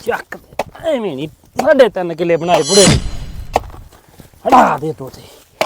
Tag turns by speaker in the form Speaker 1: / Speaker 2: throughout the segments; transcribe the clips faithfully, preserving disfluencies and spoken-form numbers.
Speaker 1: ਚੱਕ ਐਵੇਂ ਨਹੀਂ ਸਾਢੇ ਤਿੰਨ ਕਿੱਲੇ ਬਣਾਏ ਬੁੜੇ ਹੜਾ ਦੇ ਤੋਤੇ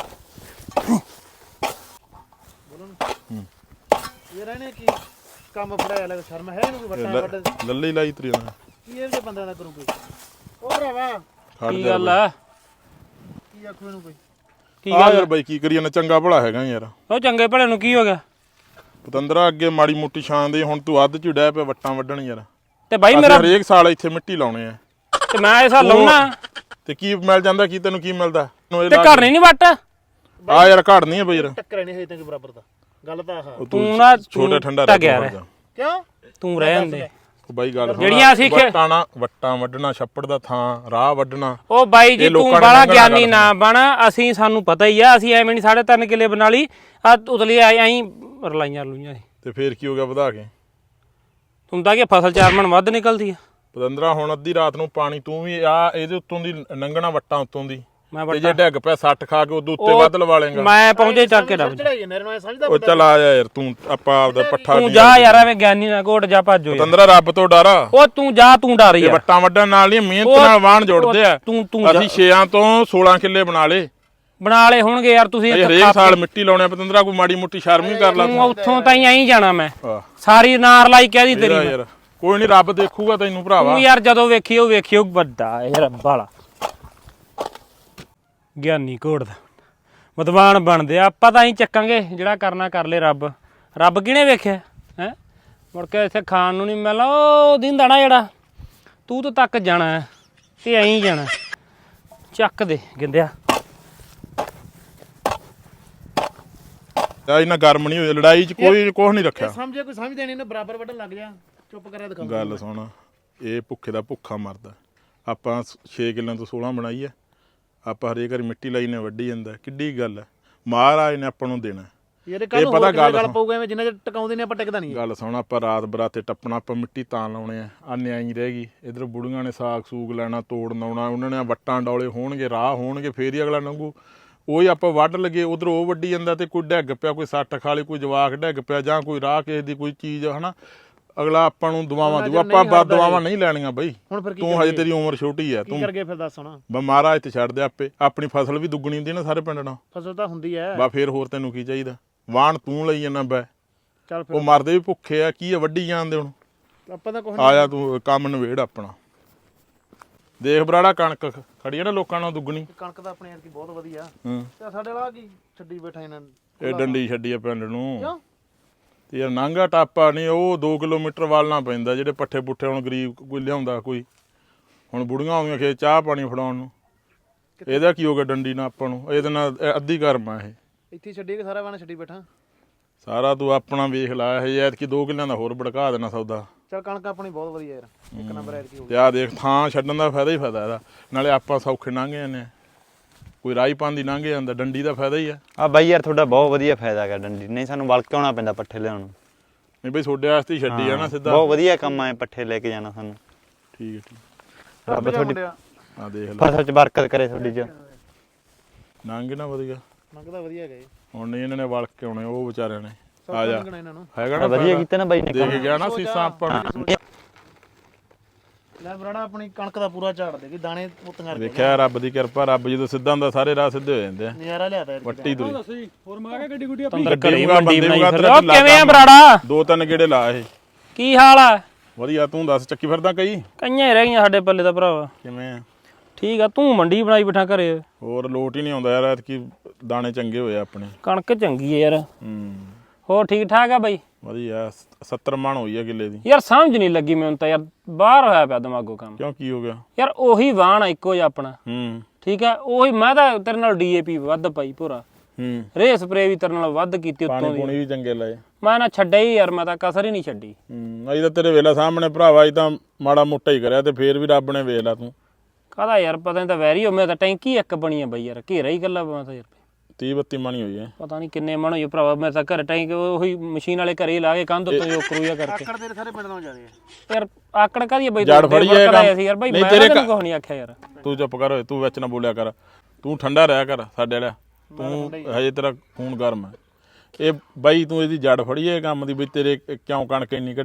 Speaker 2: ਇਹ ਰਹਿਣੇ ਕੀ ਕੰਮ ਫੜਾਇਆ ਲੱਗ ਸ਼ਰਮ ਹੈ ਇਹਨੂੰ ਕੋਈ ਵੱਟਾ ਵੱਟ
Speaker 3: ਲੱਲੀ ਲਾਈ ਤਰੀ ਉਹਨਾਂ
Speaker 2: ਕੀ ਇਹ ਜੇ ਬੰਦਿਆਂ ਦਾ ਕਰੂ ਕੋਈ ਉਹ ਭਰਾਵਾ
Speaker 1: ਕੀ ਗੱਲ ਆ
Speaker 2: ਕੀ ਆਖੂ ਇਹਨੂੰ ਕੋਈ
Speaker 1: ਕੀ
Speaker 3: ਆ
Speaker 1: ਗੱਲ
Speaker 3: ਯਾਰ ਬਾਈ ਕੀ ਕਰੀਏ ਨਾ ਚੰਗਾ ਭਲਾ ਹੈਗਾ ਯਾਰ
Speaker 1: ਉਹ ਚੰਗੇ ਭਲੇ ਨੂੰ ਕੀ ਹੋ ਗਿਆ
Speaker 3: ਪਤੰਦਰਾ ਅੱਗੇ ਮਾੜੀ ਮੋਟੀ ਛਾਂ ਦੇ ਹੁਣ ਤੂੰ ਅੱਧ ਚ ਡੈ ਪਿਆ ਵੱਟਾਂ ਵੱਢਣ ਯਾਰ
Speaker 1: ਤੇ ਬਾਈ
Speaker 3: ਅਸੀਂ
Speaker 1: ਮੇਰਾ
Speaker 3: ਹਰੇਕ ਸਾਲ ਇੱਥੇ ਮਿੱਟੀ ਲਾਉਣੇ ਆ
Speaker 1: ਤੇ ਮੈਂ ਇਹ ਸਾਲ ਲਾਉਣਾ
Speaker 3: ਤੇ ਕੀ ਮਿਲ ਜਾਂਦਾ ਕੀ ਤੈਨੂੰ ਕੀ ਮਿਲਦਾ
Speaker 1: ਤੇ ਘਰ ਨਹੀਂ ਵੱਟ
Speaker 3: ਆ ਯਾਰ ਘੜ ਨਹੀਂ ਆ ਬਈ ਯਾਰ
Speaker 2: ਟੱਕਰ ਨਹੀਂ ਹੋਈ ਤੈਨੂੰ ਬਰਾਬਰ ਦਾ ਗੱਲ ਤਾਂ ਆਹ
Speaker 1: ਤੂੰ ਨਾ
Speaker 3: ਛੋਟਾ ਠੰਡਾ
Speaker 1: ਟਕ ਗਿਆ
Speaker 2: ਕਿਉਂ
Speaker 1: ਤੂੰ ਰਹਿਣ ਦੇ
Speaker 3: ਉਹ ਬਾਈ ਗੱਲ ਸੁਣ
Speaker 1: ਜਿਹੜੀਆਂ ਅਸੀਂ ਖੇ-
Speaker 3: ਵੱਟਾਂ ਨਾ ਵੱਟਾਂ ਵੱਢਣਾ ਛੱਪੜ ਦਾ ਥਾਂ ਰਾਹ ਵੱਢਣਾ
Speaker 1: ਉਹ ਬਾਈ ਜੀ
Speaker 3: ਇਹ
Speaker 1: ਤੂੰ
Speaker 3: ਲੋਕਾਂ ਨੇ
Speaker 1: ਬੜਾ
Speaker 3: ਲੰਘਣਾ
Speaker 1: ਗਿਆਨੀ
Speaker 3: ਗੱਲ
Speaker 1: ਨਾ ਬਣ ਅਸੀਂ ਸਾਨੂੰ ਪਤਾ ਹੀ ਆ ਅਸੀਂ ਐਵੇਂ ਨਹੀਂ ਸਾਢੇ ਤਿੰਨ ਕਿੱਲੇ ਬਣਾ ਲਈ ਆ ਉਤਲੀ ਆਈ ਐਂ ਰਲਾਈਆਂ ਲੂਈਆਂ ਸੀ।
Speaker 3: ਤੇ ਫੇਰ ਕੀ ਹੋ ਗਿਆ ਵਧਾ ਕੇ
Speaker 1: ਤੂੰ ਤਾਂ ਕਿ ਫਸਲ ਚਾਰ ਮਣ ਵੱਧ ਨਿਕਲਦੀ ਆ
Speaker 3: ਪਤੰਦਰਾ ਹੁਣ ਅੱਧੀ ਰਾਤ ਨੂੰ ਪਾਣੀ ਤੂੰ ਵੀ ਆ ਇਹਦੇ ਉੱਤੋਂ ਦੀ ਲੰਘਣਾ ਵੱਟਾਂ ਉੱਤੋਂ ਦੀ
Speaker 1: ਮੈਂ
Speaker 3: ਤੇ ਜੇ ਡਿੱਗ ਪਿਆ ਸੱਟ ਖਾ ਕੇ ਉਦੋਂ ਉੱਤੇ ਵੱਧ ਲਵਾ ਲੇਗਾ
Speaker 1: ਮੈਂ ਪਹੁੰਚੇ ਚੱਕ ਕੇ ਰੱਬ
Speaker 2: ਚੜਾਈ ਜਾਂਦੇ ਨੇ ਸਮਝਦਾ
Speaker 3: ਉਹ ਚੱਲ ਆ ਜਾ ਯਾਰ ਤੂੰ ਆਪਾਂ ਆਪਦਾ ਪੱਠਾ
Speaker 1: ਤੂੰ ਜਾ ਯਾਰ ਐਵੇਂ ਗਿਆਨੀ ਨਾ ਘੋਟ ਜਾ ਭੱਜੋ ਯਾਰ।
Speaker 3: ਪਤੰਦਰਾ ਰੱਬ ਤੋਂ ਡਰ ਆ
Speaker 1: ਉਹ ਤੂੰ ਜਾ ਤੂੰ ਡਰ
Speaker 3: ਇਹ
Speaker 1: ਯਾਰ
Speaker 3: ਵੱਟਾਂ ਵੱਢਣ ਨਾਲ ਨਹੀਂ ਮਿਹਨਤ
Speaker 1: ਉਹ-
Speaker 3: ਨਾਲ ਵਾਹਣ ਜੁੜਦੇ ਆ
Speaker 1: ਤੂੰ ਤੂੰ
Speaker 3: ਅਸੀਂ ਛੇਆਂ ਤੋਂ ਸੋਲਾਂ ਕਿੱਲੇ ਬਣਾ ਲੇ
Speaker 1: ਬਣਾ ਲਏ ਹੋਣਗੇ ਯਾਰ ਤੁਸੀਂ
Speaker 3: ਇਹ ਹਰੇਕ ਸਾਲ ਮਿੱਟੀ ਲਾਉਣੇ ਆ ਪਤੰਦਰਾ ਕੋਈ ਮਾੜੀ ਮੋਟੀ ਸ਼ਰਮ ਹੀ ਕਰ ਲਾ
Speaker 1: ਤੂੰ ਉੱਥੋਂ ਤਾਈਂ ਐਂ ਜਾਣਾ ਮੈਂ
Speaker 3: ਆਹ
Speaker 1: ਸਾਰੀ ਨਾਰ ਲਾਈ ਕਹਿਦੀ ਤੇਰੀ
Speaker 3: ਤੇਰਾ
Speaker 1: ਮੈਂ।
Speaker 3: ਯਾਰ ਕੋਈ ਨਹੀਂ ਰੱਬ ਦੇਖੂਗਾ ਤੈਨੂੰ ਭਰਾਵਾ
Speaker 1: ਤੂੰ ਯਾਰ ਜਦੋਂ ਵੇਖੀ ਉਹ ਵੇਖਿਓ ਵੱਡਾ ਇਹ ਰੱਬ ਵਾਲਾ ਗਿਆਨੀ ਘੋੜ ਦਾ ਮਤਵਾਨ ਬਣਦੇ ਆ ਆਪਾਂ ਤਾਂ ਹੀ ਚੱਕਾਂਗੇ ਜਿਹੜਾ ਕਰਨਾ ਕਰ ਲੇ ਰੱਬ ਰੱਬ ਕਿਹਨੇ ਵੇਖਿਆ ਹੈ ਮੁੜ ਕੇ ਇੱਥੇ ਖਾਣ ਨੂੰ ਨਹੀਂ ਮਿਲਣਾ ਉਹ ਦਿੰਦਾ ਨਾ ਜਿਹੜਾ ਤੂੰ ਤਾਂ ਤੱਕ ਜਾਣਾ ਹੈ ਤੇ ਐਂ ਜਾਣਾ ਚੱਕ ਦੇ ਗਿੰਦਿਆ
Speaker 3: ਆ ਇਹਨਾਂ ਗਰਮ ਨਹੀਂ ਹੋਏ ਲੜਾਈ 'ਚ ਕੋਈ ਕੁਛ ਨਹੀਂ ਰੱਖਿਆ
Speaker 2: ਸਮਝੇ ਕੋਈ ਸਮਝਦੇ ਨਹੀਂ ਨੇ ਬਰਾਬਰ ਵੱਢਣ ਲੱਗ ਜਾ ਚੁੱਪ ਕਰਿਆ ਦਿਖਾ
Speaker 3: ਗੱਲ ਸੁਣ ਇਹ ਭੁੱਖੇ ਦਾ ਭੁੱਖਾ ਮਰਦਾ ਆਪਾਂ ਛੇ ਕਿੱਲਿਆਂ ਤੋਂ ਸੋਲਾਂ ਬਣਾਈ ਆ ਆਪਾਂ ਹਰੇਕ ਵਾਰੀ ਮਿੱਟੀ ਲਾਈ ਨੇ ਵੱਢੀ ਜਾਂਦਾ ਕਿੱਡੀ ਗੱਲ ਹੈ ਮਹਾਰਾਜ ਨੇ ਆਪਾਂ ਨੂੰ ਦੇਣਾ
Speaker 2: ਯਾਰ ਕੱਲ ਪਤਾ ਗੱਲ ਗੱਲ ਪਊਗਾ ਐਵੇਂ ਜਿੰਨਾ ਚਿਰ ਟਿਕਾਉਂਦੇ ਨੇ ਆਪਾਂ ਟਿਕਦਾ ਨਹੀਂ
Speaker 3: ਗੱਲ ਸੁਣ ਆਪਾਂ ਰਾਤ ਬਰਾਤੇ ਟੱਪਣਾ ਆਪਾਂ ਮਿੱਟੀ ਤਾਂ ਲਾਉਣੇ ਆ ਆ ਨਿਆਈ ਰਹਿ ਗਈ ਇਧਰ ਬੁੜੀਆਂ ਨੇ ਸਾਗ ਸੂਗ ਲੈਣਾ ਤੋੜਨ ਆਉਣਾ ਉਹਨਾਂ ਨੇ ਵੱਟਾਂ ਡੌਲੇ ਹੋਣਗੇ ਰਾਹ ਹੋਣਗੇ ਫੇਰ ਹੀ ਅਗਲਾ ਲੰਘੂ ਉਹੀ ਆਪਾਂ ਵੱਢ ਲਗੇ ਉਧਰ ਉਹ ਵੱਢੀ ਜਾਂਦਾ ਤੇ ਕੋਈ ਡਿੱਗ ਪਿਆ ਕੋਈ ਸੱਟ ਖਾ ਲਈ ਕੋਈ ਜਵਾਕ ਡਿੱਗ ਪਿਆ ਜਾਂ ਕੋਈ ਰਾਹ ਕਿਸੇ ਦੀ ਕੋਈ ਚੀਜ਼ ਹਨਾ ਅਗਲਾ ਆਪਾਂ ਨੂੰ ਦੁਆਵਾਂ ਦੂ ਆਪਾਂ ਬਾਦ ਦੁਆਵਾਂ ਨਹੀਂ ਲੈਣੀਆਂ ਬਈ
Speaker 2: ਹੁਣ ਫਿਰ ਕੀ
Speaker 3: ਤੂੰ ਹਜੇ ਤੇਰੀ ਉਮਰ ਛੋਟੀ ਆ ਤੂੰ
Speaker 2: ਕਰ ਗਏ ਫਿਰ ਦੱਸ ਹੁਣ
Speaker 3: ਬਾ ਮਹਾਰਾਜ ਤੇ ਛੱਡ ਦੇ ਆਪੇ ਆਪਣੀ ਫਸਲ ਵੀ ਦੁੱਗਣੀ ਹੁੰਦੀ ਨਾ ਸਾਰੇ ਪਿੰਡ ਨਾਲ
Speaker 2: ਫਸਲ ਤਾਂ ਹੁੰਦੀ ਐ
Speaker 3: ਬਾ ਫੇਰ ਹੋਰ ਤੈਨੂੰ ਕੀ ਚਾਹੀਦਾ ਵਾਣ ਤੂੰ ਲਈ ਜਾਂਦਾ ਬੈ
Speaker 2: ਚੱਲ ਫਿਰ
Speaker 3: ਉਹ ਮਰਦੇ ਵੀ ਭੁੱਖੇ ਆ ਕੀ ਆ ਵੱਢੀ ਜਾਂਦੇ ਹੁਣ
Speaker 2: ਆਪਾਂ ਤਾਂ ਕੁਝ
Speaker 3: ਆ ਜਾ ਤੂੰ ਕੰਮ ਨਵੇੜ ਆਪਣਾ ਦੇਖ ਬਰਾੜਾ ਕਣਕ ਖੜੀ ਆ ਨਾ ਲੋਕਾਂ ਨਾਲ ਦੁੱਗਣੀ
Speaker 2: ਕਣਕ ਤਾਂ ਆਪਣੇ ਯਾਰ ਕੀ ਬਹੁਤ ਵਧੀਆ
Speaker 3: ਹੂੰ
Speaker 2: ਤੇ ਸਾਡੇ ਵਾਲਾ ਕੀ ਛੱਡੀ ਬੈਠਾ ਇਹਨਾਂ
Speaker 3: ਇਹ ਡੰਡੀ ਛੱਡੀ ਆ ਪਿੰਡ ਨੂੰ
Speaker 2: ਕਿਉਂ
Speaker 3: ਤੇ ਯਾਰ ਨਾਂਗਾ ਟਾਪਾ ਨਹੀਂ ਉਹ ਦੋ ਕਿਲੋਮੀਟਰ ਵਾਲਣਾ ਪੈਂਦਾ ਜਿਹੜੇ ਪੱਠੇ ਪੁੱਠੇ ਹੁਣ ਗਰੀਬ ਕੋਈ ਲਿਆਉਂਦਾ ਕੋਈ ਹੁਣ ਬੁੜੀਆਂ ਆਉਂਦੀਆਂ ਖੇ ਚਾਹ ਪਾਣੀ ਫੜਾਉਣ ਨੂੰ ਇਹਦਾ ਕੀ ਹੋ ਗਿਆ ਡੰਡੀ ਨਾਲ ਆਪਾਂ ਨੂੰ ਇਹਦੇ ਨਾਲ ਅੱਧੀ ਕਰਮ ਆ ਇਹ
Speaker 2: ਇੱਥੇ ਛੱਡੀ ਕੇ ਸਾਰਾ ਵਾਣਾ ਛੱਡੀ ਬੈਠਾ
Speaker 3: ਸਾਰਾ ਤੂੰ ਆਪਣਾ ਵੇਖ ਲਾ ਇਹ ਐਤਕੀ ਦੋ ਕਿੱਲਿਆਂ ਦਾ ਹੋਰ ਭੜਕਾ ਦੇਣਾ ਸੌਦਾ
Speaker 2: ਚੱਲ ਕਣਕ ਆਪਣੀ ਬਹੁਤ ਵਧੀਆ ਯਾਰ ਇੱਕ ਨੰਬਰ ਐਡ ਕੀ ਹੋ
Speaker 3: ਤੇ ਆ ਦੇਖ ਥਾਂ ਛੱਡਣ ਦਾ ਫਾਇਦਾ ਹੀ ਫਾਇਦਾ ਇਹਦਾ ਨਾਲੇ ਆਪਾਂ ਸੌਖੇ ਲੰਘ ਜਾਂਦੇ ਆ ਕੋਈ ਰਾਈ ਪਾਉਂਦੀ ਲੰਘ ਜਾਂਦਾ ਡੰਡੀ ਦਾ ਫਾਇਦਾ ਹੀ ਆ
Speaker 4: ਆ ਬਾਈ ਯਾਰ ਤੁਹਾਡਾ ਬਹੁਤ ਵਧੀਆ ਫਾਇਦਾ ਹੈਗਾ ਡੰਡੀ ਨਹੀਂ ਸਾਨੂੰ ਵਲ ਕੇ ਆਉਣਾ ਪੈਂਦਾ ਪੱਠੇ ਲਿਆਉਣ ਨੂੰ
Speaker 3: ਨਹੀਂ ਬਈ ਤੁਹਾਡੇ ਵਾਸਤੇ ਹੀ ਛੱਡੀ ਆ ਨਾ ਸਿੱਧਾ
Speaker 4: ਬਹੁਤ ਵਧੀਆ ਕੰਮ ਆਏ ਪੱਠੇ ਲੈ ਕੇ ਜਾਣਾ ਸਾਨੂੰ
Speaker 3: ਠੀਕ ਹੈ ਠੀਕ
Speaker 4: ਰੱਬ ਤੁਹਾਡੀ
Speaker 3: ਆ ਦੇਖ ਲੈ
Speaker 4: ਫਸਲ 'ਚ ਬਰਕਤ ਕਰੇ ਤੁਹਾਡੀ 'ਚ
Speaker 3: ਲੰਘ ਨਾ ਵਧੀਆ
Speaker 2: ਮੰਗਦਾ ਵਧੀਆ ਗਏ
Speaker 3: ਹੁਣ ਨਹੀਂ ਇਹਨਾਂ ਨੇ ਵਲ ਕੇ ਆਉਣੇ ਉਹ ਵਿਚਾਰਿਆਂ ਨੇ ਆ ਜਾ
Speaker 2: ਇਹਨਾਂ ਨੂੰ
Speaker 3: ਹੈਗਾ ਨਾ
Speaker 4: ਵਧੀਆ ਕੀਤਾ ਨਾ ਬਾਈ ਨੇ
Speaker 3: ਦੇ ਕੇ ਗਿਆ ਨਾ ਸੀਸਾਂ ਆਪਾਂ ਨੂੰ।
Speaker 2: ਲੈ ਬਰਾੜਾ ਆਪਣੀ ਕਣਕ ਦਾ ਪੂਰਾ ਝਾੜ ਦੇ ਕਿ ਦਾਣੇ ਪੁੱਤੀਆਂ
Speaker 3: ਵੇਖਿਆ ਰੱਬ ਦੀ ਕਿਰਪਾ ਰੱਬ ਜਦੋਂ ਸਿੱਧਾ ਹੁੰਦਾ ਸਾਰੇ ਰਾਹ ਸਿੱਧੇ ਹੋ ਜਾਂਦੇ ਆ
Speaker 2: ਨਜ਼ਾਰਾ ਲਿਆਦਾ ਯਾਰ
Speaker 3: ਵੱਟੀ ਦੂਰੀ
Speaker 2: ਹੋਰ ਮਾ ਕੇ ਗੱਡੀ ਗੁੱਡੀ
Speaker 1: ਤੰਦਰ ਘਰੇ
Speaker 3: ਬੰਦੇ
Speaker 1: ਮੰਡੀ ਬਣਾਈ
Speaker 3: ਨੂੰ
Speaker 1: ਫਿਰ ਉਹ ਕਿਵੇਂ ਆ ਬਰਾੜਾ
Speaker 3: ਦੋ ਤਿੰਨ ਗੇੜੇ ਲਾ ਇਹ
Speaker 1: ਕੀ ਹਾਲ ਆ
Speaker 3: ਵਧੀਆ ਤੂੰ ਦੱਸ ਚੱਕੀ ਫਿਰਦਾ ਕਈ
Speaker 1: ਕਈਆਂ ਹੀ ਰਹਿ ਗਈਆਂ ਸਾਡੇ ਪੱਲੇ ਦਾ ਭਰਾਵਾ
Speaker 3: ਕਿਵੇਂ ਆ
Speaker 1: ਠੀਕ ਆ ਤੂੰ ਮੰਡੀ ਬਣਾਈ ਬਿਠਾ ਘਰੇ
Speaker 3: ਹੋਰ ਲੋਟ ਹੀ ਨਹੀਂ ਆਉਂਦਾ ਯਾਰ ਐਤਕੀ ਦਾਣੇ ਚੰਗੇ ਹੋਏ ਆਪਣੇ
Speaker 1: ਕਣਕ ਚੰਗੀ ਆ ਯਾਰ
Speaker 3: ਹੂੰ
Speaker 1: ਹੋਰ ਠੀਕ ਠਾਕ ਆ ਬਾਈ
Speaker 3: ਵਧੀਆ ਸੱਤਰ ਮਣ ਹੋਈ ਆ ਕਿੱਲੇ ਦੀ
Speaker 1: ਯਾਰ ਸਮਝ ਨਹੀਂ ਲੱਗੀ ਮੈਨੂੰ ਤਾਂ ਯਾਰ ਬਾਹਰ ਹੋਇਆ ਪਿਆ ਦਿਮਾਗੋਂ ਕੰਮ
Speaker 3: ਕਿਉਂ ਕੀ ਹੋ ਗਿਆ
Speaker 1: ਯਾਰ ਉਹੀ ਵਾਹਣ ਆ ਇੱਕੋ ਜਿਹਾ ਆਪਣਾ
Speaker 3: ਹੂੰ
Speaker 1: ਠੀਕ ਆ ਉਹੀ ਮੈਂ ਤਾਂ ਤੇਰੇ ਨਾਲ ਡੀਏਪੀ ਵੱਧ ਪਾਈ ਪੂਰਾ
Speaker 3: ਹੂੰ
Speaker 1: ਰੇ ਸਪਰੇ ਵੀ ਤੇਰੇ ਨਾਲ ਵੱਧ ਕੀਤੀ ਉੱਤੋਂ
Speaker 3: ਪਾਣੀ
Speaker 1: ਦੀ
Speaker 3: ਪੂਣੀ ਵੀ ਚੰਗੇ ਲਾਏ
Speaker 1: ਮੈਂ ਨਾ ਛੱਡਿਆ ਹੀ ਯਾਰ ਮੈਂ ਤਾਂ ਕਸਰ ਹੀ ਨਹੀਂ ਛੱਡੀ
Speaker 3: ਹੂੰ ਅਜੇ ਤਾਂ ਤੇਰੇ ਵੇਲਾ ਸਾਹਮਣੇ ਭਰਾਵਾ ਅਜੇ ਤਾਂ ਮਾੜਾ ਮੋਟਾ ਹੀ ਕਰਿਆ ਤੇ ਫੇਰ ਵੀ ਰੱਬ ਨੇ ਵੇਖ ਲਾ ਤੂੰ
Speaker 1: ਕਾਹਦਾ ਯਾਰ ਪਤਾ ਨਹੀਂ ਤਾਂ ਵੈਰੀ ਹੋ ਮੈਂ ਤਾਂ ਟੈਂਕੀ ਇੱਕ ਬਣੀ ਆ ਬਈ ਯਾਰ ਘੇਰਾ ਹੀ ਗੱਲਾਂ ਮੈਂ ਤਾਂ ਯਾਰ
Speaker 3: ਤੀਹ ਬੱਤੀ ਮਣੀ ਹੋਈ ਹੈ
Speaker 1: ਪਤਾ ਨਹੀਂ ਕਿੰਨੇ ਮਣ ਹੋਈ ਭਰਾਵਾ ਮੈਂ ਤਾਂ ਘਰ ਟੈਂਕ ਉਹੀ ਮਸ਼ੀਨ ਵਾਲੇ ਘਰੇ ਹੀ ਲਾ ਕੇ ਕੰਧ ਉੱਤੇ ਜੋ ਕਰੂਆ ਕਰਕੇ
Speaker 2: ਆਕੜ ਤੇਰੇ ਸਾਰੇ ਪਿੰਡ ਨਾਲ ਜਾਂਦੇ ਆ
Speaker 1: ਯਾਰ ਆਕੜ ਕਾਦੀ ਬਈ
Speaker 3: ਜੜ ਫੜੀ ਇਹ ਕੰਮ।
Speaker 1: ਸੀ ਯਾਰ ਬਈ
Speaker 3: ਨਹੀਂ
Speaker 1: ਮੈਂ
Speaker 3: ਤੇਰੇ
Speaker 1: ਤੈਨੂੰ ਕੁਝ ਨਹੀਂ ਆਖਿਆ ਯਾਰ
Speaker 3: ਤੂੰ ਚੁੱਪ ਕਰ ਓਏ ਤੂੰ ਵਿੱਚ ਨਾ ਬੋਲਿਆ ਕਰ ਤੂੰ ਠੰਡਾ ਰਿਹਾ ਕਰ ਸਾਡੇ ਵਾਲਾ ਤੂੰ ਹਜੇ ਤੇਰਾ ਖੂਨ ਗਰਮ ਹੈ ਇਹ ਬਾਈ ਤੂੰ ਇਹਦੀ ਜੜ ਫੜੀ ਹੈ ਕੰਮ ਦੀ ਵੀ ਤੇਰੇ ਕਿਉਂ ਕਣਕ ਇੰਨੀ ਘਟੀ ਹੈ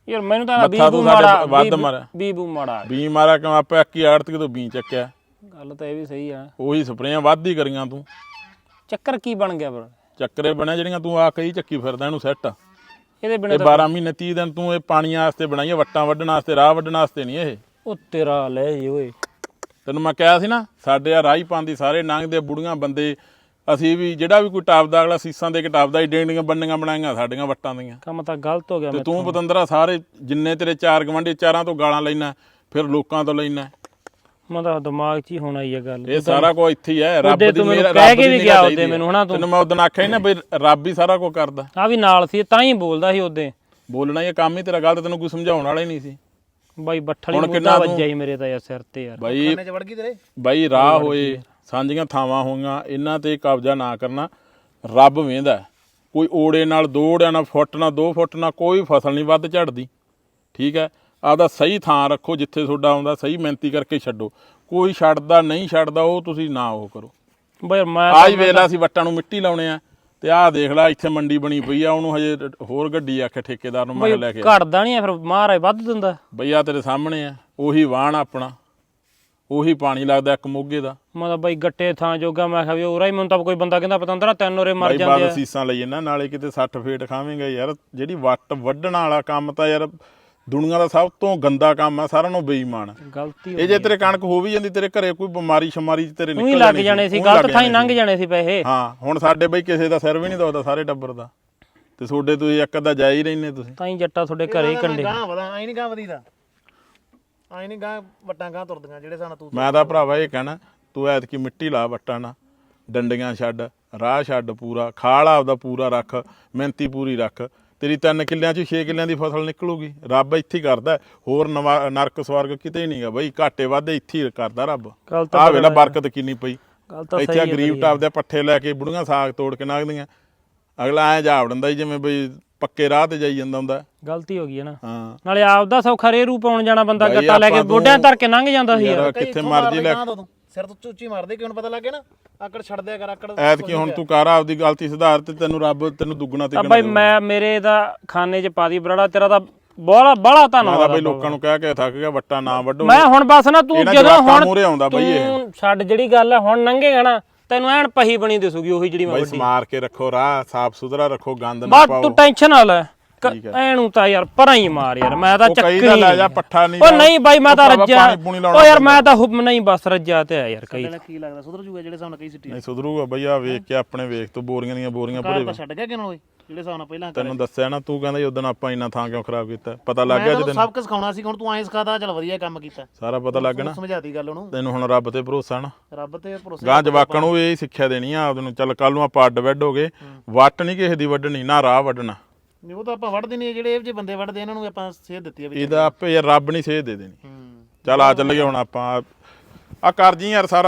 Speaker 1: ਯਾਰ ਮੈਨੂੰ ਤਾਂ
Speaker 3: ਮੱਥਾ
Speaker 1: ਬੀਬੂ
Speaker 3: ਤੂੰ ਸਾਡੇ
Speaker 1: ਮਾੜਾ
Speaker 3: ਵੱਧ
Speaker 1: ਬੀਬੂ-
Speaker 3: ਮਾਰਿਆ।
Speaker 1: ਬੀਬੂ ਮਾੜਾ
Speaker 3: ਬੀ ਮਾਰਾ ਕਿਉਂ ਆਪਾਂ ਇੱਕ ਹੀ ਆੜਤ ਤੋਂ ਬੀ ਚੱਕਿਆ,
Speaker 1: ਗੱਲ ਤਾਂ ਇਹ ਵੀ ਸਹੀ ਆ।
Speaker 3: ਉਹੀ ਸਪਰੇਆਂ ਵੱਧ ਹੀ ਕਰੀਆਂ ਤੂੰ।
Speaker 1: ਚੱਕਰ ਕੀ ਬਣ ਗਿਆ ਪਰ
Speaker 3: ਚੱਕਰੇ ਬਣਿਆ ਜਿਹੜੀਆਂ ਤੂੰ ਆ ਕਈ ਚੱਕੀ ਫਿਰਦਾ ਇਹਨੂੰ ਸੈੱਟ।
Speaker 1: ਇਹਦੇ ਬਿਨਾਂ
Speaker 3: ਇਹ
Speaker 1: ਤਾਂ
Speaker 3: ਬਾਰਾਂ ਮਹੀਨੇ ਤੀਹ ਦਿਨ ਤੂੰ ਇਹ ਪਾਣੀਆਂ ਵਾਸਤੇ ਬਣਾਈਆਂ, ਵੱਟਾਂ ਵੱਢਣ ਵਾਸਤੇ, ਰਾਹ ਵੱਢਣ ਵਾਸਤੇ ਨਹੀਂ ਇਹ।
Speaker 1: ਉਹ ਤੇਰਾ ਲੈ ਜੀ ਓਏ।
Speaker 3: ਤੈਨੂੰ ਮੈਂ ਕਿਹਾ ਸੀ ਨਾ ਸਾਡੇ ਆ ਰਾਹੀ ਪਾਉਂਦੀ ਸਾਰੇ ਲੰਘਦੇ ਬੁੜੀਆਂ ਬੰਦੇ, ਅਸੀਂ ਵੀ ਜਿਹੜਾ ਵੀ ਕੋਈ ਟਾਪਦਾ ਅਗਲਾ ਸੀਸਾਂ ਦੇ ਕੇ ਟਾਪਦਾ ਹੀ, ਡੇਂਡੀਆਂ ਬੰਨੀਆਂ ਬਣਾਈਆਂ ਸਾਡੀਆਂ ਵੱਟਾਂ ਦੀਆਂ।
Speaker 1: ਕੰਮ ਤਾਂ ਗਲਤ ਹੋ ਗਿਆ
Speaker 3: ਤੇ
Speaker 1: ਮੈਂ
Speaker 3: ਤੂੰ ਪਤੰਦਰਾ ਸਾਰੇ ਜਿੰਨੇ ਤੇਰੇ ਚਾਰ ਗਵਾਂਢੀ ਚਾਰਾਂ ਤੋਂ ਗਾਲਾਂ ਲੈਣਾ, ਫਿਰ ਲੋਕਾਂ ਤੋਂ ਲੈਣਾ।
Speaker 1: ਮੈਂ ਤਾਂ ਦਿਮਾਗ 'ਚ ਹੀ ਹੋਣਾ ਹੀ ਆ ਗੱਲ।
Speaker 3: ਇਹ ਸਾਰਾ ਕੁਝ ਇੱਥੇ ਹੀ ਹੈ। ਰੱਬ
Speaker 1: ਉਹਦੇ
Speaker 3: ਦੀ
Speaker 1: ਤੂੰ ਮੈਨੂੰ
Speaker 3: ਮੇਰਾ
Speaker 1: ਕਹਿ
Speaker 3: ਰੱਬ
Speaker 1: ਕੇ
Speaker 3: ਦੀ
Speaker 1: ਵੀ
Speaker 3: ਨਿਗਾਹ
Speaker 1: ਗਿਆ
Speaker 3: ਚਾਹੀਦੀ
Speaker 1: ਉਹਦੇ ਮੈਨੂੰ ਹਨਾ ਤੂੰ।
Speaker 3: ਤੈਨੂੰ ਮੈਂ ਉਦੋਂ ਆਖਿਆ ਸੀ ਨਾ ਬਈ ਰੱਬ ਹੀ ਸਾਰਾ ਕੁਝ ਕਰਦਾ।
Speaker 1: ਆ ਵੀ ਨਾਲ ਸੀ ਤਾਂ ਹੀ ਬੋਲਦਾ ਸੀ ਉਹਦੇ।
Speaker 3: ਬੋਲਣਾ ਹੀ ਕੰਮ ਹੀ ਤੇਰਾ ਗਲਤ, ਤੈਨੂੰ ਕੋਈ ਸਮਝਾਉਣ ਵਾਲਾ ਹੀ ਨਹੀਂ ਸੀ
Speaker 1: ਬਾਈ ਬੱਠਲੀ
Speaker 3: ਹੁਣ
Speaker 1: ਮੁੱਦਾ
Speaker 3: ਕਿੰਨਾ ਤੂੰ-
Speaker 1: ਵੱਜਿਆ ਹੀ ਮੇਰੇ ਤਾਂ ਯਾਰ ਸਿਰ ਤੇ ਯਾਰ।
Speaker 3: ਬਾਈ
Speaker 2: ਕੰਨੇ ਚ ਵੜ ਗਈ ਤੇਰੇ।
Speaker 3: ਬਾਈ ਰਾਹ ਹੋਏ, ਸਾਂਝੀਆਂ ਥਾਵਾਂ ਹੋਈਆਂ, ਇਹਨਾਂ ਤੇ ਕਬਜ਼ਾ ਨਾ ਕਰਨਾ। ਰੱਬ ਵੇਂਦਾ ਕੋਈ ਓੜੇ ਨਾਲ ਦੋ ਓੜਿਆਂ ਨਾਲ ਫੁੱਟ ਨਾਲ ਦੋ ਫੁੱਟ ਨਾਲ ਕੋਈ ਫਸਲ ਨਹੀਂ ਵੱਧ ਝੜਦੀ। ਠੀਕ ਹੈ, ਆਪਦਾ ਸਹੀ ਥਾਂ ਰੱਖੋ, ਜਿੱਥੇ ਤੁਹਾਡਾ ਆਉਂਦਾ ਸਹੀ ਮਿਹਨਤੀ ਕਰਕੇ ਛੱਡੋ। ਕੋਈ ਛੱਡਦਾ ਨਹੀਂ ਛੱਡਦਾ ਉਹ ਤੁਸੀਂ ਨਾ ਉਹ ਕਰੋ।
Speaker 1: ਬਾਈ ਮੈਂ
Speaker 3: ਆਹ ਹੀ ਵੇਲਾ ਅਸੀਂ ਵੱਟਾਂ ਨੂੰ ਮਿੱਟੀ ਲਾਉਣੇ ਆ, ਤੇ ਆਹ ਦੇਖ ਲੈ ਇੱਥੇ ਮੰਡੀ ਬਣੀ ਪਈ ਆ, ਉਹਨੂੰ ਹਜੇ ਹੋਰ ਗੱਡੀ ਆਖੇ ਠੇਕੇਦਾਰ ਨੂੰ ਮੈਂ ਲੈ ਕੇ ਆ।
Speaker 1: ਘਟਦਾ ਨਹੀਂ ਫਿਰ ਮਹਾਰਾਜ ਵੱਧ ਦਿੰਦਾ।
Speaker 3: ਬਈ ਆ ਤੇਰੇ ਸਾਹਮਣੇ ਆ, ਉਹੀ ਵਾਹਣ ਆਪਣਾ, ਉਹੀ ਪਾਣੀ ਲੱਗਦਾ ਇੱਕ ਮੋਗੇ ਦਾ।
Speaker 1: ਮੈਂ ਤਾਂ ਬਾਈ ਗੱਟੇ ਥਾਂ ਜੋਗਾ ਮੈਂ ਕਿਹਾ ਵੀ ਉਰਾ ਹੀ ਮੈਨੂੰ ਤਾਂ ਕੋਈ ਬੰਦਾ ਕਹਿੰਦਾ ਪਤੰਦਰਾ ਤਿੰਨ ਉਰੇ ਮਰ
Speaker 3: ਬਾਈ
Speaker 1: ਜਾਂਦੇ
Speaker 3: ਬਾਦ
Speaker 1: ਆ।
Speaker 3: ਸੀਸਾਂ ਲਈ ਨਾ, ਨਾਲੇ ਕਿਤੇ ਸੱਠ ਫੇਟ ਖਾਵੇਂਗਾ ਯਾਰ। ਜਿਹੜੀ ਵੱਟ ਵੱਢਣ ਵਾਲਾ ਕੰਮ ਤਾਂ ਯਾਰ ਦੁਨੀਆ ਦਾ ਸਭ ਤੋਂ ਗੰਦਾ ਕੰਮ ਆ, ਸਾਰਿਆਂ ਨੂੰ ਬੇਈਮਾਨ।
Speaker 1: ਗਲਤੀ
Speaker 3: ਇਹ ਜੇ ਤੇਰੇ ਕਣਕ ਹੋ ਵੀ ਜਾਂਦੀ, ਤੇਰੇ ਘਰੇ ਕੋਈ ਬਿਮਾਰੀ ਸ਼ਮਾਰੀ ਤੇਰੇ
Speaker 1: ਉਹੀ
Speaker 3: ਨਿਕਲ
Speaker 1: ਲੱਗ ਜਾਣੇ ਸੀ,
Speaker 3: ਉਹੀ
Speaker 1: ਗਲਤ
Speaker 3: ਲੱਗ
Speaker 1: ਥਾਂ ਹੀ
Speaker 3: ਜਾਣੇ
Speaker 1: ਲੰਘ ਜਾਣੇ ਸੀ ਪੈਸੇ।
Speaker 3: ਹਾਂ ਹੁਣ ਸਾਡੇ ਬਈ ਕਿਸੇ ਦਾ ਸਿਰ ਵੀ ਨਹੀਂ ਦੁਖਦਾ ਸਾਰੇ ਟੱਬਰ ਦਾ, ਤੇ ਤੁਹਾਡੇ ਤੁਸੀਂ ਇੱਕ ਅੱਧਾ ਜਾ ਹੀ ਰਹਿੰਦੇ ਤੁਸੀਂ।
Speaker 1: ਤਾਂ ਹੀ ਜੱਟਾ ਤੁਹਾਡੇ ਘਰੇ ਹੀ ਕੰਡੇ।
Speaker 2: ਗਾਂ ਵਦਾ ਆਈ ਨਹੀਂ ਗਾਂ ਵਧੀਦਾ, ਆਈ ਨਹੀਂ ਗਾਂ ਵੱਟਾਂ ਗਾਂ ਤੁਰਦੀਆਂ ਜਿਹੜੇ ਸਾਨੂੰ ਤੂੰ।
Speaker 3: ਮੈਂ ਤਾਂ ਭਰਾਵਾ ਇਹ ਕਹਿਣਾ, ਤੂੰ ਐਤਕੀ ਮਿੱਟੀ ਲਾ ਵੱਟਾਂ ਨਾ, ਡੰਡੀਆਂ ਛੱਡ, ਰਾਹ ਛੱਡ, ਪੂਰਾ ਖਾਲ ਆਪਦਾ ਪੂਰਾ ਰੱਖ, ਮਿਹਨਤੀ ਪੂਰੀ ਰੱਖ। ਤੇਰੀ ਤਿੰਨ ਕਿੱਲਿਆਂ 'ਚ ਛੇ ਕਿੱਲਿਆਂ ਦੀ ਫਸਲ ਨਿਕਲੂਗੀ। ਰੱਬ ਇੱਥੇ ਹੀ ਕਰਦਾ, ਹੋਰ ਨਵਾ ਨਰਕ ਸਵਰਗ ਕਿਤੇ ਹੀ ਨਹੀਂਗਾ ਬਈ। ਘਾਟੇ ਵਾਧੇ ਇੱਥੇ ਹੀ ਕਰਦਾ ਰੱਬ।
Speaker 1: ਗੱਲ ਤਾਂ
Speaker 3: ਆਹ ਵੇਲਾ ਬਰਕਤ ਕਿੰਨੀ ਪਈ।
Speaker 1: ਗੱਲ ਤਾਂ
Speaker 3: ਇੱਥੇ ਆ ਗਰੀਬ ਟਾਪ ਦੇ ਪੱਠੇ ਲੈ ਕੇ ਬੁੜੀਆਂ ਸਾਗ ਤੋੜ ਕੇ ਨਾਗਦੀਆਂ, ਅਗਲਾ ਐ ਜਾਵੜਦਾ ਜਿਵੇਂ ਬਈ ਪੱਕੇ ਰਾਹ ਤੇ ਜਾਈ ਜਾਂਦਾ ਹੁੰਦਾ।
Speaker 1: ਗਲਤੀ ਹੋ ਗਈ ਹੈ ਨਾ।
Speaker 3: ਹਾਂ
Speaker 1: ਨਾਲੇ ਆਪਦਾ ਸੌਖਾ ਰੇਰੂ ਪਾਉਣ ਜਾਣਾ ਬੰਦਾ
Speaker 3: ਬਾਈ
Speaker 1: ਗੱਟਾ ਲੈ ਕੇ
Speaker 3: ਆਪਾਂ
Speaker 1: ਗੋਡਿਆਂ
Speaker 3: ਤੋਂ-
Speaker 1: ਧਰ ਕੇ ਲੰਘ ਜਾਂਦਾ ਸੀ ਯਾਰ।
Speaker 3: ਯਾਰ ਕਿੱਥੇ ਮਰਜੀ ਲੈ
Speaker 2: ਸਿਰ ਤੋਂ ਚੂਚੀ ਮਾਰਦੇ ਕਿਉਂ ਪਤਾ ਲੱਗੇ ਨਾ, ਆਕੜ ਛੱਡ ਦਿਆ ਕਰ ਆਕੜ।
Speaker 3: ਐਤਕੀ ਹੁਣ ਤੂੰ ਕਰ ਆਪਦੀ ਗਲਤੀ ਸੁਧਾਰ, ਤੇ ਤੈਨੂੰ ਰੱਬ ਤੈਨੂੰ ਦੁੱਗਣਾ
Speaker 1: ਤਾਂ
Speaker 3: ਤਿੱਗਣਾ
Speaker 1: ਬਾਈ ਮੈਂ ਮੇਰੇ ਦਾ ਖਾਨੇ 'ਚ ਪਾ ਦੀ ਬਰਾੜਾ, ਤੇਰਾ ਤਾਂ ਬੜਾ ਬੜਾ
Speaker 3: ਮੈਂ
Speaker 1: ਧੰਨਵਾਦ
Speaker 3: ਤਾਂ
Speaker 1: ਆ
Speaker 3: ਬਈ ਲੋਕਾਂ ਨੂੰ ਕਹਿ ਕੇ ਥੱਕ ਗਿਆ ਵੱਟਾਂ ਨਾ ਵੱਢੋ।
Speaker 1: ਮੈਂ ਹੁਣ ਬਸ ਨਾ ਤੂੰ
Speaker 3: ਇਹਨਾਂ
Speaker 1: ਜਦੋਂ
Speaker 3: ਜਵਾਕਾਂ
Speaker 1: ਹੁਣ
Speaker 3: ਮੂਹਰੇ ਆਉਂਦਾ ਬਈ ਇਹ।
Speaker 1: ਤੂੰ ਛੱਡ ਜਿਹੜੀ ਗੱਲ ਹੈ ਹੁਣ ਲੰਘੇਗਾ ਨਾ, ਤੈਨੂੰ ਐਨ ਪਹੀ ਬਣੀ ਦਿਸੂਗੀ ਉਹੀ ਜਿਹੜੀ ਮੈਂ
Speaker 3: ਬਈ
Speaker 1: ਵੱਡੀ।
Speaker 3: ਸਮਾਰ ਕੇ ਰੱਖੋ, ਰਾਹ ਸਾਫ ਸੁਥਰਾ ਰੱਖੋ, ਗੰਦ ਨਾ
Speaker 1: ਬਸ
Speaker 3: ਪਾਓ।
Speaker 1: ਤੂੰ ਟੈਨਸ਼ਨ ਨਾ ਲੈ,
Speaker 3: ਠੀਕ ਹੈ।
Speaker 1: ਐਨੂੰ ਤਾਂ ਯਾਰ ਪਰਾਂ ਹੀ ਮਾਰ ਯਾਰ, ਮੈਂ ਤਾਂ
Speaker 3: ਉਹ
Speaker 1: ਚੱਕਰੀ
Speaker 3: ਕਈ ਦਾ ਲੈ ਜਾ ਪੱਠਾ ਨਹੀਂ
Speaker 1: ਉਹ ਨਹੀਂ ਬਾਈ ਮੈਂ ਤਾਂ
Speaker 3: ਉਹ ਭਰਾਵਾ
Speaker 1: ਰੱਜਿਆ।
Speaker 3: ਪਾਣੀ ਪੂਣੀ ਲਾਉਣਾ
Speaker 1: ਉਹ ਯਾਰ ਮੈਂ ਤਾਂ ਹੁਬ ਨਹੀਂ ਬਸ ਰੱਜਿਆ ਤੇ ਆ ਯਾਰ। ਕਈ
Speaker 2: ਕੀ ਲੱਗਦਾ ਸੁਧਰ ਜੂਗਾ ਜਿਹੜੇ ਹਿਸਾਬ ਨਾਲ ਕਈ ਸਿੱਟੀ
Speaker 3: ਨਹੀਂ ਸੁਧਰੂਗਾ ਬਈ। ਆ ਵੇਖ ਕੇ ਆਪਣੇ ਵੇਖ ਤੂੰ ਬੋਰੀਆਂ ਦੀਆਂ ਬੋਰੀਆਂ ਭਰੇ
Speaker 2: ਤਾਂ ਛੱਡ ਗਿਆ ਕਿਉਂ ਓਏ, ਜਿਹੜੇ ਹਿਸਾਬ ਨਾਲ ਪਹਿਲਾਂ
Speaker 3: ਤੈਨੂੰ ਦੱਸਿਆ ਨਾ, ਤੂੰ ਕਹਿੰਦਾ ਉਦੋਂ ਆਪਾਂ ਇੰਨਾ ਥਾਂ ਕਿਉਂ ਖਰਾਬ ਕੀਤਾ, ਪਤਾ ਲੱਗ ਗਿਆ ਜਦੋਂ
Speaker 2: ਸਭ ਕੁਝ ਸਿਖਾਉਣਾ ਸੀ। ਹੁਣ ਤੂੰ ਐਂ ਸਿਖਾਦਾ, ਚੱਲ ਵਧੀਆ ਕੰਮ ਕੀਤਾ,
Speaker 3: ਸਾਰਾ ਪਤਾ ਲੱਗ ਗਿਆ ਨਾ
Speaker 2: ਸਮਝਾਤੀ ਗੱਲ ਉਹਨੂੰ।
Speaker 3: ਤੈਨੂੰ। ਹੁਣ ਰੱਬ ਤੇ ਭਰੋਸਾ ਨਾ,
Speaker 2: ਰੱਬ ਤੇ ਭਰੋਸਾ।
Speaker 3: ਗਾਂ ਜਵਾਕਾਂ ਨੂੰ ਇਹ ਸਿੱਖਿਆ ਦੇਣੀ ਆ ਆਪਦੇ ਨੂੰ। ਚੱਲ ਕੱਲ ਨੂੰ ਆਪਾਂ ਅੱਡ ਵੱਢ ਹੋ ਗਏ, ਵੱਟ ਨਹੀਂ ਕਿਸੇ ਦੀ ਵੱਢਣੀ, ਨਾ ਰਾਹ ਵੱਢਣਾ।
Speaker 2: ਨਹੀਂ ਉਹ ਤਾਂ ਆਪਾਂ ਵੱਢਦੇ ਨਹੀਂ, ਜਿਹੜੇ ਇਹ ਜਿਹੇ ਬੰਦੇ ਵੱਢਦੇ ਇਹਨਾਂ ਨੂੰ ਆਪਾਂ ਸੇਧ ਦਿੱਤੀ ਆ ਵੀ।
Speaker 3: ਇਹਦਾ ਆਪੇ ਯਾਰ ਰੱਬ ਨਹੀਂ ਸੇਧ ਦੇ ਦੇਣੀ।
Speaker 2: ਹੂੰ
Speaker 3: ਚੱਲ ਆ ਚੱਲੀਏ ਹੁਣ ਆਪਾਂ। ਆ ਕਰ ਜੀ ਯਾਰ ਸਾਰਾ